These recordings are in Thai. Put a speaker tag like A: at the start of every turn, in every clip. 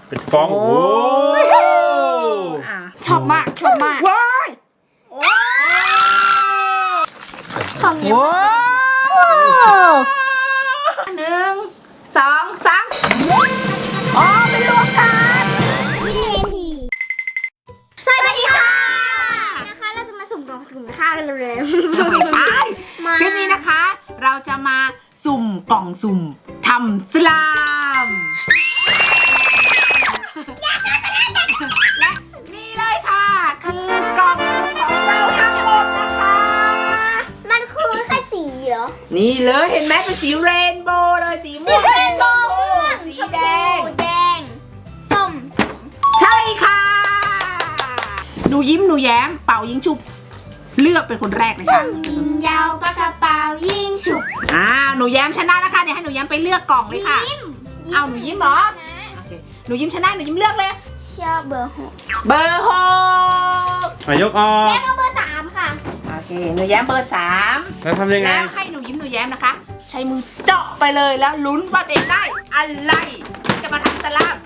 A: เป็นฟองโอ้
B: ชอบมากชอบมากว้าย
C: ของเยอะ
B: 1 2 3อ๋อเป็นรวมกัน
C: สวัสดีค่ะนะคะเราจะมาสุ่มกล่องสุ่มค่ากันเร็วๆ
B: ไม่ใช่คลิปนี้นะคะเราจะมาสุ่มกล่องสุ่มทำสลามและนี่เลยค่ะคือกล่องของเราทั้งหมดนะคะ
C: มันคือแค่สีเหรอ
B: นี่เลยเห็นไหมเป็นสีเรนโบว์เลยสีม่วงสีชมพูสีแดง
C: แดงส้ม
B: ใช่ค่ะหนูยิ้มหนูแย้มเป่ายิงฉุบเลือกเป็นคนแรกเลยค่ะ
C: ยิงยาวปากกระเป๋ายิงฉุบ
B: หนูแย้มชนะนะคะเดี๋ยวให้หนูแย้มไปเลือกกล่องเลยค่ะเอาหนูยิ้มเหรอโอเคหนูยิ้มชนะหนูยิ้มเลือกเลย
C: ชอบเบอร์ 6
B: เบอร์6
A: ยกออก
C: แย้มเอาเบอร์ 3ค่ะ
B: โอเคหนูแย้มเบอร์3
A: แล้วทำยังไง
B: แล้วให้หนูยิ้มหนูแย้มนะคะ ใช้มือเจาะไปเลยแล้วลุ้นว่าตัวเองได้อะไรจะมาทำสลาม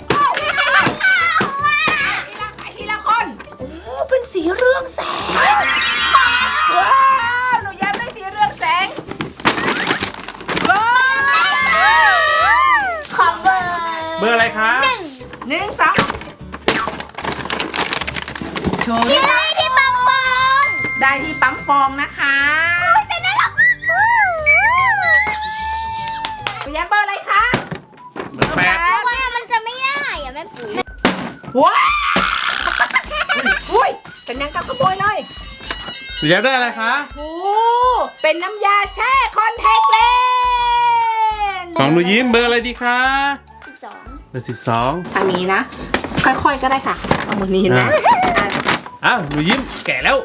B: ทีละคนโอ้เป็นสีเรืองแสงว้าวหนูแย้มได้สีเรืองแสงว้าว
C: ขอเบอร์
A: เบอร์อะไรคะ
B: 1 2โชว์
C: ที่ที่บางบอง
B: ได้ที่ปั๊มฟองนะคะ
C: แต่น่ารักมาก
B: หนูแย้มเบอร์อะไรคะ
A: เบอร์8
C: ว่ามันจะไม่ได้อะแม่ปุ๋ย
B: ว้าวอุ้ยเป็นยังกับขโมยเลย
A: หนูแย้มได้อะไรคะ
B: โอ้เป็นน้ำยาแช่คอนแทคเลนส์
A: ของหนูยิ้มเบอร์อะไรดีคะ
C: 12
A: เบอร์12
B: ทางนี้นะ ค่อยๆก็ได้ค่ะเอามือนี้เห็นไหม
A: อ้าวหนูยิ้มแก่แล้ว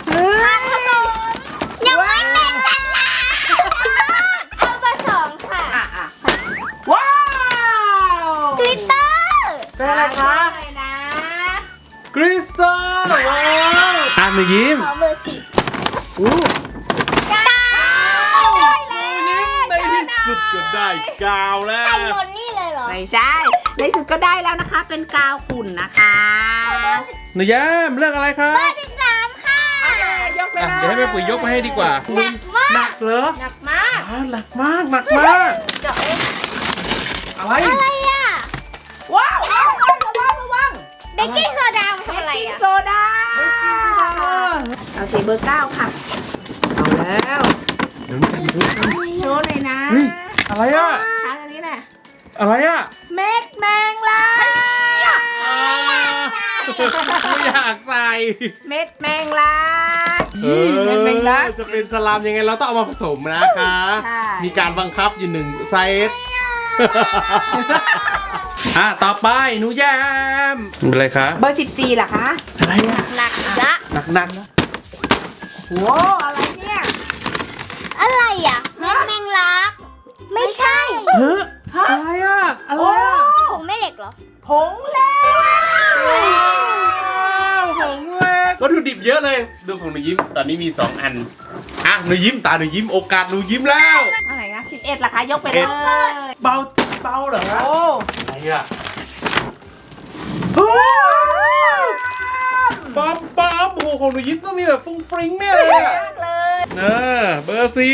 C: ยังไม่เป็นสลามเอาเบอร์ 2 ค่ะ
B: ว้าว
C: กลิตเตอร์
A: เป็นอะไรคะ
B: อะไรนะ
A: คริสตัลว้าวหนูยิ้ม
C: ขอเบอร์ 10
A: อู้
C: ได้
A: ในที่สุดก็ได้กาวแล้ว
C: ใส่หมดนี่เลยเหรอ
B: ไม่ใช่ในสุดก็ได้แล้วนะคะ เป็นกาวขุ่นนะคะ
A: หนูแย้มเลือกอะไรคะ
C: เบอร์ 13 ค่ะ
B: ยกไปเลย
A: เดี๋ยวให้แม่ปุ๋ยยกมาให้ดีกว่า
C: หนักมาก
A: หนักเหรอ
B: หนักมาก
A: หนักมากหนักมาก
B: เจาะเลย
A: อะไร
C: อะไรอ่ะ
B: ว้าวระวัง
C: เบกกิ้งโซดามันทำอะไรอ่ะ
B: โซดาเอาสีเบอร์ 9 ค่ะเอาแล้ว
A: เดี๋ยวกันดูกัน
B: โชว์เลยนะ
A: เฮ้ยอะไรอ่ะ
B: ทางอันนี้น่ะ
A: อะไรอ่ะ
B: เม็ดแมงลา
A: ไม่อยากใส่
B: เม็ดแมงลา
A: เม็
B: เม็ดแมงลา
A: จะเป็นสลามยังไงเราต้องเอามาผสมนะคะ
B: ใช่
A: มีการบังคับอยู่1 ไซส์ต่อไปหนูแย้มเป็นอะไรคะ
B: เบอร์ 14เหรอคะ
A: อะไรอ่ะ
C: หนักละ
A: หนัก
B: โหอะไรเนี่ย
C: อะไรอ่ะเม็ดแมงลัก ไม่ใช่
A: เฮ้ยอะไรอ่ะอะไร
B: โอ้
A: อ่ะ
C: ผงแม่เหล็กเหรอ
B: ผงเล็ก
A: ของเล็กวัตถุดิบเยอะเลยดูของหนูยิ้มตอนนี้มี2 อันหนูยิ้มตาหนูยิ้มโอกาสหนูยิ้มแล้ว
B: อะไรนะ11เหรอคะยกไปเลย
A: เบาเหรอ
B: โอ้
A: อะไรอ่ะ
B: โห
A: ปั๊มโอ้โหของหนูยิ้มต้องมีแบบฟุ้งฟริ้งแน่เลยอ่ะ
B: มากเลย
A: เบอร์ 4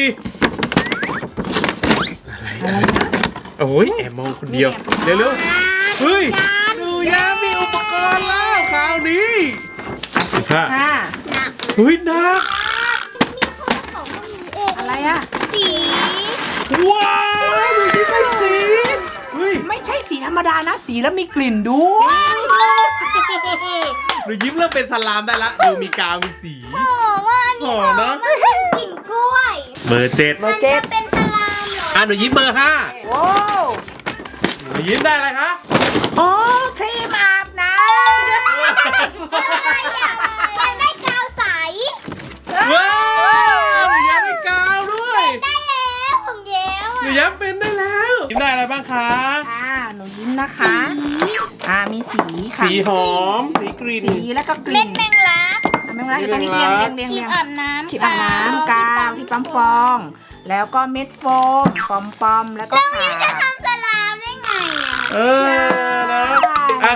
A: อะไรโอ้ยแอบมองคนเดียวเร็วๆเฮ้ยหนูแย้มมีอุปกรณ์แล้วคราวนี้ค่ะ
C: หนัก
A: เฮ้ยหนัก
C: มีของของพวกนี้เอง
B: อะไรอะ
C: สี
A: ว้าวหนูยิ้มได้สีเฮ้ย
B: ไม่ใช่สีธรรมดานะสีแล้วมีกลิ่นด้วย
A: หนูยิ้มเริ่มเป็นสลามได้ละดูมีกาวมีสี
C: หอมว่าอันนี้
A: หอมนะ
C: มันคือกลิ่นกล้วย
A: เบอร์ 7
B: เบอ
C: มัน
B: ร์เจ็
C: จะ
B: ด
C: เป็นสลามเหรอ
A: หนูยิ้มเบอร์
B: โอ้
A: 5หนูยิ้มได้อะไรคะ
B: โอ้ครีมอาบน้
C: อะไรอ่ะอยากได้กาวใส
B: ำ
A: ว้าวหนูยิ้มได้กาวด้วย
C: ได้แล้วของเย้ว
A: หนูยิ้มเป็นได้แล้วยิ้มได้อะไรบ้างคะ
B: หนูยิ้มนะคะมีสีค่ะ
A: สีหอมสีกลิ่น
B: สีแล้วก็ก
C: เม็
B: ลิ่
C: ด
B: น
C: แมงลัก
B: แมงลักอยู่ตรงนี้เรียง
C: ครีมอาบน้ำ
B: ครีมอาบน้ำกาวที่ปั๊มฟอง แล้วก็เม็ดโฟมปอมแล้วก็
C: แล้ว
B: ขา
C: มิ้วจะทำสลามได้ไงอ่ะ
A: นะ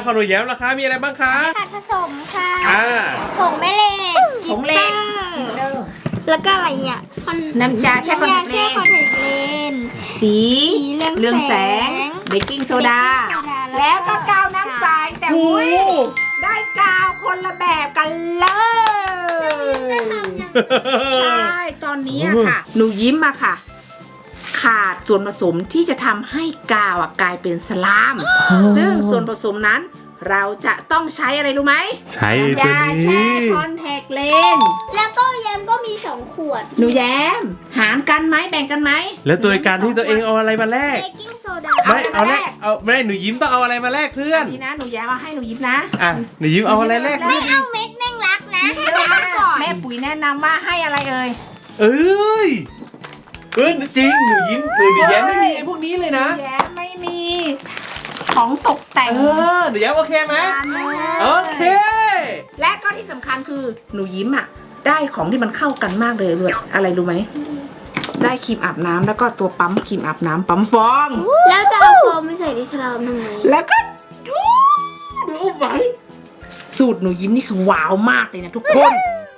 A: ของหนูแย้มล่ะคะมีอะไรบ้างคะ
C: ผัดผสมค่ะ ผงแม่เหล็ก
B: ผงเหล็ก
C: แล้วก็อะไรเนี่ย
B: น้ำยาแช่คอน
C: น้ำยา
B: แทค
C: แช่คอน
B: เลน
C: แทคเลนส์
B: สี
C: เรื
B: เรื
C: อ
B: อง ง
C: แส
B: แส
C: ง
B: งเบกกิ้งโซดา
C: เบกกิ้งโซดา
B: แล้วก็กาวน้ำใสแต่
A: โอ้
B: อุ้ยได้กาวคนละแบบกันเลยใช่ตอนนี้อะค่ะ หนูยิ้มอะค่ะ ขาดส่วนผสมที่จะทำให้กาวอะกลายเป็นสลาม ซึ่งส่วนผสมนั้น เราจะต้องใช้อะไรรู้ไหม
A: ใช้
B: น้ำ
A: ตัวย
B: า
A: นี้
B: แช่คอนแทคเลนส์
C: แล้วก็แยมก็มี2 ขวด
B: หนูแย้ม หารกันไหมแบ่งกันไหม
A: แล้วตัวการที่ตัวเองเอาอะไรมาแลก
C: เบกกิ้งโซดา
A: ไม่เอาแลก
B: เอาอะไรมาแลก
A: เอาไม่หนูยิ้มต้องเอาอะไรมาแลกเพื่อน
B: นี่นะหนูแย้มเอาให้หนูยิ้มนะ
A: อ่ะหนูยิ้มเอาอะไรแลก
C: ไม่เอาเม็ดแมงลักนะให้ไปเอาก่อน
B: แม่ปุ๋ยแนะนำว่าให้อะไรเอ่ย
A: เอ้ยจริงหนูยิ้มหนูแย้มไม่มีไอ้พวกนี้เลยนะ
B: หแย้มไม่มี ของตกแต่ง
A: หนูแย้มโอเคไหมโอเค
B: และก็ที่สำคัญคือหนูยิ้มอ่ะ ได้ของที่มันเข้ากันมากเลยด้วยอะไรรู้ไหม ได้ครีมอาบน้ำแล้วก็ตัวปั๊มครีมอาบน้ำปั๊มฟอง
C: แล้วจะเอาโฟมไปใส่ในฉลามทำไม
B: แล้วก็ดูไว้สูตรหนูยิ้มนี่คือว้าวมากเลยนะทุกคน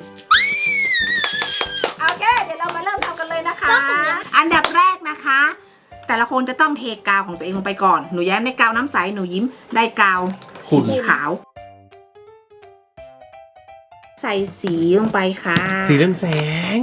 B: โอเคเดี๋ยวเรามาเริ่มทำกันเลยนะคะ อันดับแรกนะคะ แต่ละคนจะต้องเทกาวของตัวเองลงไปก่อนหนูแย้มได้กาวน้ำใสหนูยิ้มได้กาวสีขาว ใส่สีลงไปค่ะ
A: สีเรืองแสง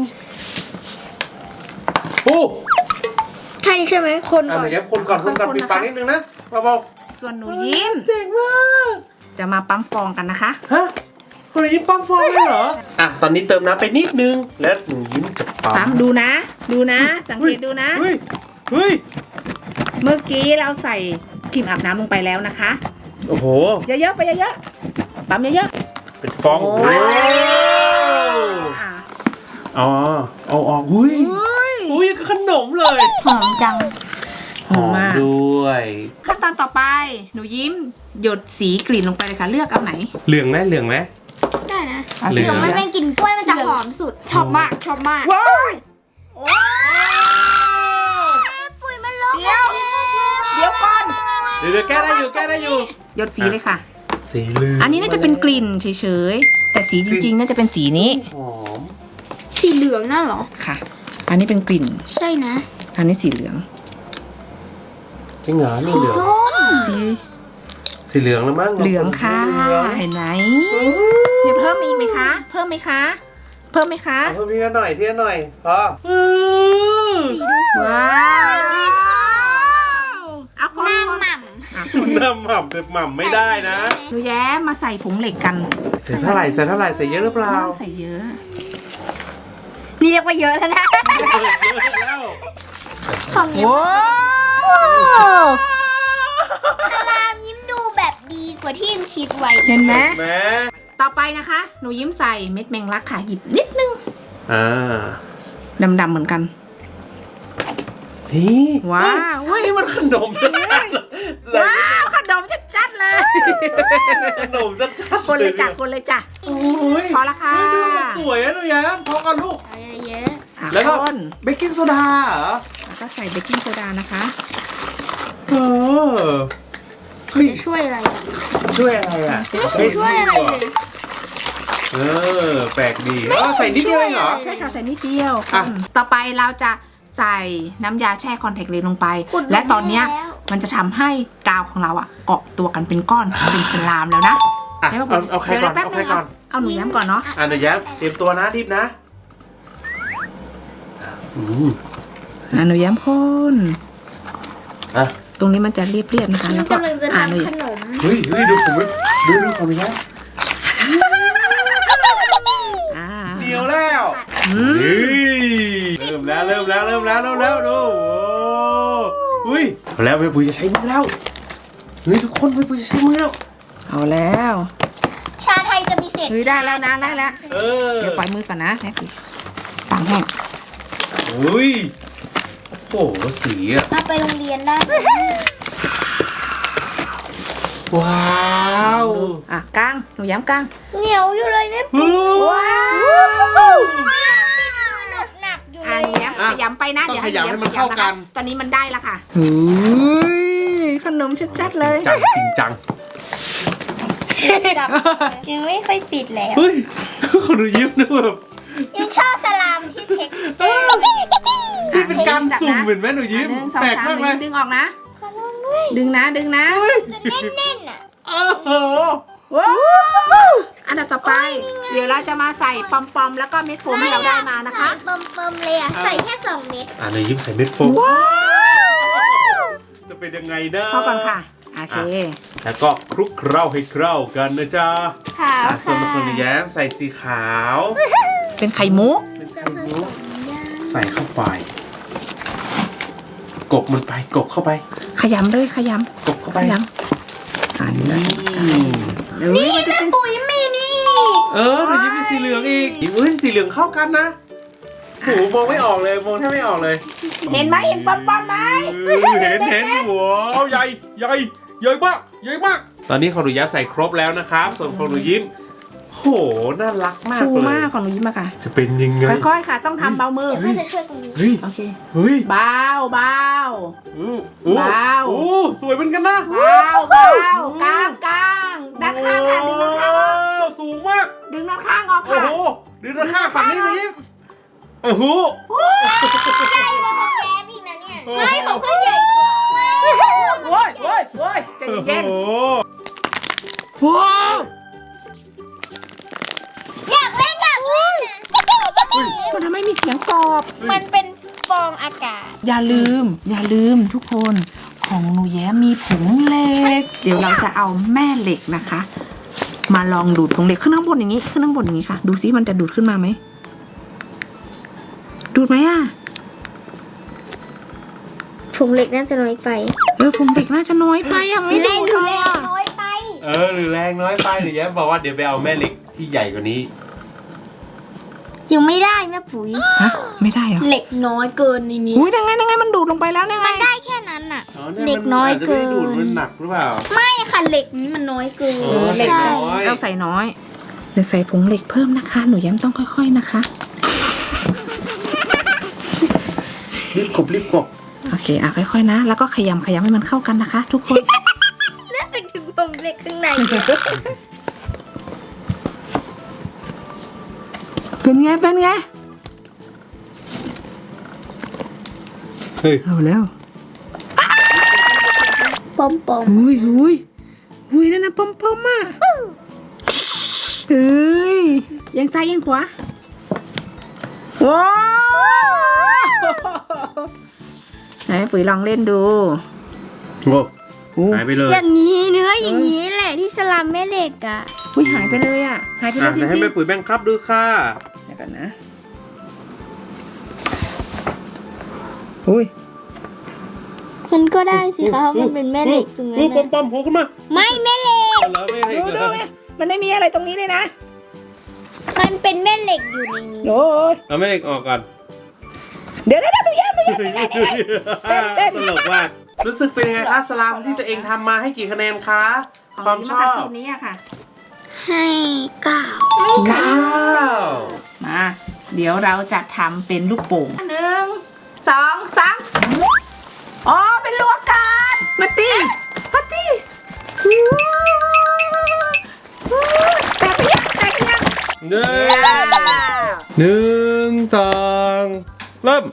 A: โอ้
C: ใช่ใช่ไหมคน
A: ห
C: ก่อน
A: นูแย้มคนก่อนปิดปากนิดนึงนะเบา
B: ส่วนหนูยิ้ม
A: ๆเจ๋งมาก
B: จะมาปั๊มฟองกันนะคะ
A: ฮะคุณหนูยิ้มปั๊มฟองเลยเหรออ่ะตอนนี้เติมน้ำไปนิดนึงแล้วหนูยิ้มจะปั๊
B: ปั๊
A: ม
B: มดูนะ ดูนะ สังเกตดูนะ
A: เฮ้ยเฮ้ย
B: เมื่อกี้เราใส่ครีมอาบน้ำลงไปแล้วนะคะ
A: โอ้โห
B: เยอะๆไปเยอะๆปั๊มเยอะ
A: เป็นฟอง
B: โอ้
A: โอ้
B: ๆอ่ะ
A: อ๋อเอาออกอุ้ยอุ้ยก็ขนมเลย
C: หอมจัง
B: หอมมาก
A: ด้วย
B: ขั้นตอนต่อไป หนูยิ้มหยดสีกลิ่นลงไปเลยค่ะ เลือกเอาไหน
A: เหลืองไหมเหลืองไหม
C: ได้นะ
B: เอา
A: เหลื
B: สี
A: อง
C: มันเป็นกลิ่นกล้วยมันจะหอมสุด ชอบมาก ชอบมาก
B: ว้ายว้าว
C: ปุ๋ยมันลบ
B: เดี๋ยวก่อน
A: เดี๋ยวแก้ได้อยู่
B: หยดสีเลยค่ะ
A: สีเหลือง
B: อันนี้น่าจะเป็นกลิ่นเฉยๆ แต่สีจริงๆ น่าจะเป็นสีนี้
A: หอม
C: สีเหลืองน่ะเหรอ
B: ค่ะ อันนี้เป็นกลิ่น
C: ใช่นะ
B: อันนี้สีเหลือง
A: จริงเหรอนี่เหลือง
C: ส้ม
B: สี
A: สีเหลืองแล้วมั้ง
B: เหลืองค่ะ
A: เหลือง
B: เห็นไหมเดี๋ยวเพิ่มอีกไหมคะ เพิ่มไหมคะ เพิ่มไหมคะ
A: เอาเพิ่มทีละหน่อยพอ
C: สีดูสวย
B: ว้าวเอาคน
C: หน้า
B: คน
C: หม่
B: อ่ะ
A: น้ำหม่ำแบบหม่ำ
C: ำ
A: ไม่ได้นะ
B: หนูแย้มมาใส่ผงเหล็กกัน
A: ใส่เท่าไหร่ใส่เยอะหรือเปล่า
B: ไม่ต้องใส่เยอะ
C: นี่เรียกว่าเยอะแล้วนะ
A: เยอะแล้ว
C: ของยิ้ม
B: ว้าว
C: สลามยิ้มดูแบบดีกว่าที่ยิ้มคิดไว้
B: เห็นไหม
A: แม่
B: ต่อไปนะคะ หนูยิ้มใส่เม็ดแมงลักค่ะ หยิบนิดนึง
A: อ่า
B: ดำๆเหมือนกัน
A: นี่
B: ว้าว
A: เฮ้ยนี่มันขนมชัดๆเลย
B: ว้าวขนมชัดๆเลย
A: ขนมชัดๆ
B: คนเลยจ้ะคนเลยจ้ะ
A: โอ้ย
B: พอละค่ะ
A: เฮ้ยดูมันสวยนะหนูแย้มพอกันลูก
C: เอาเยอะ
B: อ่ะ
A: แล้วก็
B: คน
A: เบกกิ้งโซดาเหรอ
B: แล้วก็ใส่เบกกิ้งโซดานะคะ
A: เออเฮ้ย
C: ๆจะช่วยอะไรอ่ะ
A: ช่วยอะไรอ่ะ
C: ไม่ช่วยอะไรเลย
A: เออแปลกดีใส่นิดเดียวเองเหรอ
B: ใช่ค่ะใส่นิดเดียว
A: อ่ะ
B: ต่อไปเราจะใส่น้ำยาแช่คอนแทคเลนส์ลงไป และตอนเนี้ยมันจะทำให้กาวของเราอ่ะเกาะตัวกันเป็นก้อนเป็นสลามแล้วนะ
A: อ่ะ
B: ดี๋ยว
A: เอาใครก่อน
B: ดี๋ยวแป๊บ
A: เอาใคร
B: นึง
A: ก่อน
B: เอาหนูย้ำก่อนเนาะ
A: หนูแย้มเตรียมตัวนะดิบนะอืม
B: หนูย้ำคน
A: อ่ะ
B: ตรงนี้มันจะเรียบๆนะคะ
C: ยิ้
B: แล้
C: ม
B: วก็
C: กำลังจะ
B: หนู
C: ทำขนม
A: เฮ้ยดูผมดูของนี้นะ
B: อ่า
A: เดียวแล้ว
B: อืม
A: เฮ้ยเริ่มแล้วดูโอ้อุ้ยเอาแล้วแม่ปุ๋ยจะใช้มือแล้วเฮ้ยทุกคนแม่ปุ๋ยจะใช้มือแล้ว
B: เอาแล้ว
C: ชาไทยจะมีเศษ
B: เฮ้ยได้แล้วนะได้แล้ว
A: เออ
B: เดี๋ยวปล่อยมือก่อนนะแม่ปิปังแห้ง
A: อุ้ยโอ้โหสีอ่ะ
C: เอาไปโรงเรียนได้
A: ว้าว
B: อ่ะกลางหนูย้ำกลาง
C: เหนียวอยู่เลยแม่
A: ว้าว
C: หนักอยู่
B: อ่ะ
C: เลย
B: ย้ำขยำไปนะ
A: ต้อง
B: เดี๋ยวให้
A: ขยำให้มันเข้ากัน
B: ตอนนี้มันได้แล้วค่ะขนมชัดๆเลย
A: จริงจัง
C: จับยังไม่ค่อยติดแล้ว
A: เฮ้ยคนดูยิ้มนะแบบ
C: ยังชอบสลามที่เท็กซ์เจอร์
A: นี่เป็นการสุ่มเหมือนแม่หนูยิ้ม
B: หนึ่งสอง
A: แปลก
B: สาม
A: มากเลย
B: ดึงออกนะ
C: ขอลองด้วย
B: ดึงนะดึงนะ
C: จะแน่นๆอ่ะ
A: โอ้โห
B: ว้าวอันดับต่อไป เดี๋ยวเราจะมาใส่ปอมๆแล้วก็เม็ดโฟมที่เราได้มานะคะ
C: ใส่เบิ่มๆเลยอ่ะ ใส่แค่2 เม็ด
A: หนูยิ้มใส่เม็ดโฟม
B: ว้าว
A: จะเป็นยังไงนะ
B: พอก่อนค่ะโอเค
A: แล้วก็คลุกเคล้าให้เข้ากันนะจ๊ะ
C: ขาว
A: ส่วน
C: ค่ะ
A: คนแย้มใส่สีขาว
B: เป็นไข่มุก
A: เป็น
C: จะ
A: ไข่
C: ผ
A: มุ
C: ส
A: ก
C: มยาง
A: ใส่เข้าไป กบมันไปกบเข้าไป
B: ขยำเลยขย
A: กบเข้า
B: ำ
A: ไป
B: ขยำอ่านเลย
A: อืม
B: เดี๋ยวนี้มันจะเป็น
C: ปุ๋ยมีนี่
A: หนูยิ้มเป็นสีเหลืองอีกเฮ้ยสีเหลืองเข้ากันนะโหมองไม่ออกเลยมองแทบไม่ออกเลย
B: เห็นไหมเห็นปอมๆไหม
A: เห็นว้าวใหญ่ใหญ่ใหญ่มากใหญ่มาก ตอนนี้ของหนูยิ้มใส่ครบแล้วนะครับ ส่วนของหนูยิ้มโหน่ารักมาก
B: ฟู
A: เลย
B: มากของหนูยิ้มอะค่ะ
A: จะเป็นยังไง
B: ค่อยๆค่ะ ต้องทำเบามือ
C: เดี๋ยวพ่อจะช่วยตรงนี้
A: เฮ้ย
B: โอเค
A: เฮ้ย
B: เบาเบา
A: อู้อู้
B: ว้าว
A: อู้สวยเหมือนกันนะ
B: เบาเบากลางกลางด้านข้างค่ะดึงด้านข้าง
A: โอ้สูงมาก
B: ดึงด้านข้างออก
A: โอ้
B: ค่ะ
A: โหดึงด้านข้างฝั่งนี้หนูยิ้มโอ้โห
C: ใหญ่กว่าของแย้มอีกนะเนี่ย
A: โอ้โห
C: ไม่ของเพื่อนใหญ่กว่า
B: โว้ยโว้ยโว้ยใจเย็น
A: โอ้โห
B: ๆว้าว
C: อยากเล่นอยากเล่น
B: มันทำให้มีเสียงตอบ
C: มันเป็นฟองอากาศ
B: อย่าลืมทุกคนของหนูแย้มมีผงเหล็ก เดี๋ยวเราจะเอาแม่เหล็กนะคะ มาลองดูดผงเหล็กขึ้นข้างบนอย่างนี้ขึ้นข้างบนอย่างนี้ค่ะ ดูซิมันจะดูดขึ้นมาไหมดูดไหมอ่ะ
C: ผงเหล็กน่าจะน้อยไป
B: ผงเหล็กน่าจะน้อยไปอ่ะไม่
C: แร
B: ดู
C: ง
B: ด
C: ดู
B: เล
C: แร
B: ย
C: ง
B: อ่ะ
C: น้อยไป
A: หรือแรงน้อยไปหนูแย้มบอกว่าเดี๋ยวไปเอาแม่เหล็กที่ใหญ่กว่านี้
C: ยังไม่ได้แม่ปุ๋ย
B: ฮะไม่ได้เหรอ
C: เหล็กน้อยเกินในนี้
B: อุ้ยยังไงมันดูดลงไปแล้วยังไง
C: ได้แค่นั้นน่ะ
A: อ๋อ
C: เหล็กน้อยเกิน
A: าจจะไม่ได้ดูดมันหนักหรือเปล่า
C: ไม่ค่ะเหล็กนี้มันน้อยเกิน
A: อ๋อ
B: เหล็ก
C: ใช่
A: น้อย
B: เราใส่น้อยเดี๋ยวใส่ผงเหล็กเพิ่มนะคะ หนูแย้มต้องค่อยๆนะคะ
A: รีบกบ
B: โอเคค่อยๆนะ แล้วก็ขยำให้มันเข้ากันนะคะ ทุกคน
C: น่าจะคือผงเหล็กข้างใน
B: เป็นไง
A: เฮ้ย
B: เอาแล้ว
C: ปอมปอม
B: อุ้ยนั่นนะปอมๆอ่ะเฮ้ยยังซ้ายยังขวาว้าวไหนปุ๋ยลองเล่นดู
A: โอ้หายไปเลย
C: อย่างนี้เนื้ออย่างนี้แหละที่สลัมแม่เหล็กอ่ะ
B: อุ้ยหายไปเลยอ่ะหายไปเลยจ
A: ให้
B: ริง
A: แม่ปุ๋ยแบ่งครับดูค่ะ
B: ๆเดี๋ยวก่อนนะอุ้ย
C: มันก็ได้สิคะเพราะมันเป็นแม่เหล็กตรงนั้น
A: ปอ
C: น่ะ
A: มๆหัวขึ้นมา
C: ไม่แม่เหล็ก
A: เอาแล้วแม่เหล็ก
B: ดู
A: เหร
B: ดู
A: อ
B: ไงมันไม่มีอะไรตรงนี้เลยนะ
C: มันเป็นแม่เหล็กอยู่ในนี้
B: โอ้ย
A: เอาแม่เหล็กออกก่อน
B: เดี๋ยวดูแย้มเต้น
A: ตลกมากรู้สึกเป็นยังไงคะสลามที่ตัวเองทำมาให้กี่คะแนนคะความชอบ
B: สูตรนี้อะค่ะ
C: ให้9
A: 9
B: มา เดี๋ยวเราจะทำเป็นลูกโป่ง1 2 3อ๋อเป็นลูกอากาศมาตีแตกยัง
A: หนึ่งสองเริ่ม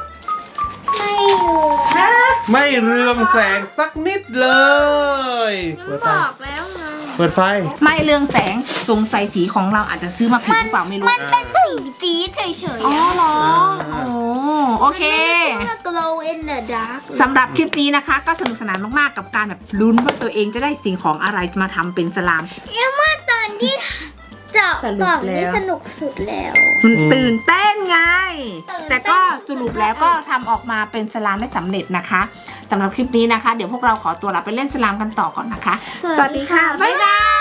A: ไม่เรืองแสงสักนิดเลยเปิดไฟ
C: บอกแล้วไง
A: เปิดไฟ
B: ไม่เรืองแสงสงสัยสีของเราอาจจะซื้อมาผิดหรือเปล่าไม่รู้
C: มันเป็นสีจี๊ดเฉย
B: อ๋อ
C: ๆ
B: เหรอโอเค
C: มัน glow in the dark
B: สำหรับคลิปนี้นะคะ ก็สนุกสนานมากๆกับการแบบลุ้นว่าตัวเองจะได้สิ่งของอะไรมาทำเป็นสลาม
C: เอ็มว่าตอนที่เจาะ
B: สรุป
C: กล่อง
B: แล้ว
C: นี่สนุกสุดแล้ว
B: มันตื่นเต้นไง
C: ตื่นเต้น
B: แต่ก็สรุปแล้วก็ทำออกมาเป็นสลามได้สำเร็จนะคะสำหรับคลิปนี้นะคะ เดี๋ยวพวกเราขอตัวลาไปเล่นสลามกันต่อก่อนนะคะ
C: สวัสดีค่ะ
B: บ๊ายบาย